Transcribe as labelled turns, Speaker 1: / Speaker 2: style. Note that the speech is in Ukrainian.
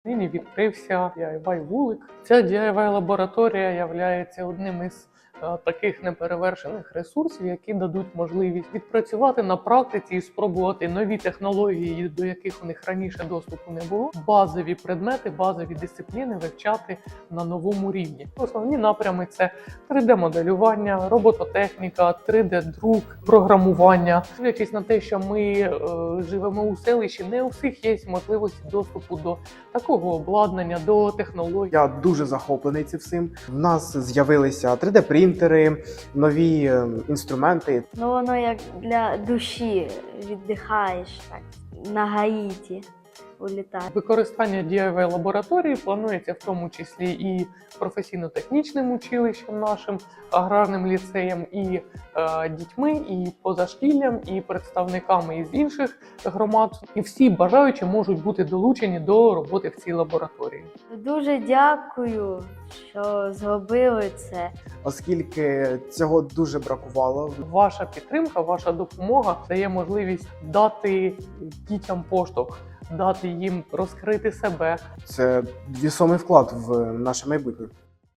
Speaker 1: Нині відкрився DIY вулик. Ця DIY лабораторія є одним із таких неперевершених ресурсів, які дадуть можливість відпрацювати на практиці і спробувати нові технології, до яких у них раніше доступу не було. Базові предмети, базові дисципліни вивчати на новому рівні. Основні напрями – це 3D-моделювання, робототехніка, 3D-друк, програмування. Дивлячись на те, що ми живемо у селищі, не у всіх є можливості доступу до такого обладнання, до технологій.
Speaker 2: Я дуже захоплений цим всім. В нас з'явилися 3D-принтери, нові інструменти.
Speaker 3: Ну воно як для душі, віддихаєш так, на Гаїті улітає.
Speaker 1: Використання DIY лабораторії планується в тому числі і професійно-технічним училищем нашим, аграрним ліцеєм, і дітьми, і позашкіллям, і представниками із інших громад. І всі бажаючі можуть бути долучені до роботи в цій лабораторії.
Speaker 3: Дуже дякую, що зробили це.
Speaker 2: Оскільки цього дуже бракувало.
Speaker 1: Ваша підтримка, ваша допомога дає можливість дати дітям поштовх, дати їм розкрити себе.
Speaker 2: Це весомий вклад в наше майбутнє.